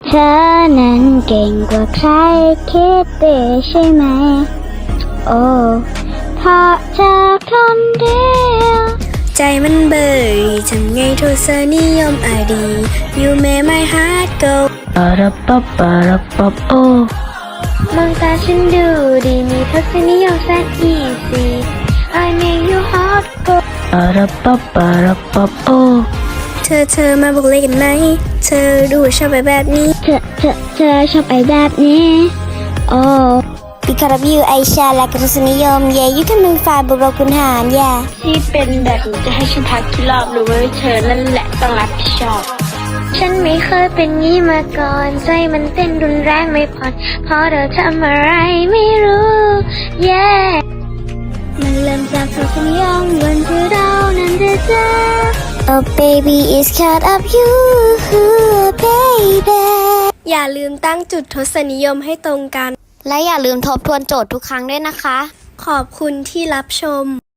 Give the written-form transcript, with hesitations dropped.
เธอนั้นเก่งกว่าใครคิดไปใช่ไหมโอ้เพราะเธอคนเดียวใจมันเบื่อทำไงโทษนิยมอดี You make my heart go ปะระปะปะระปะโอมองตาฉันดูดีมีทศนิยมแสน easy I make you heart go ปะระปะปะระปะโอเธอมาบอกเลยกันไหมเธอดูชอบแบบนี้เธอชอบไอ้แบบนี้โอ้ Because of you I share และกรสนิยม Yeah you can move far บวกคุณหาร Yeah ที่เป็นแบบนี้จะให้ฉันพักกี่รอบหรือว่าเธอนั่นแหละต้องรับผิดชอบฉันไม่เคยเป็นงี้มาก่อนใจมันเต้นรุนแรงไม่ผ่อนเพราะเธอทำอะไรไม่รู้ Yeah มันเริ่มจากทศนิยมวันที่เรานั้นจะเจอ Oh baby it's caught up you baby อย่าลืมตั้งจุดทศนิยมให้ตรงกันและอย่าลืมทบทวนโจทย์ทุกครั้งด้วยนะคะขอบคุณที่รับชม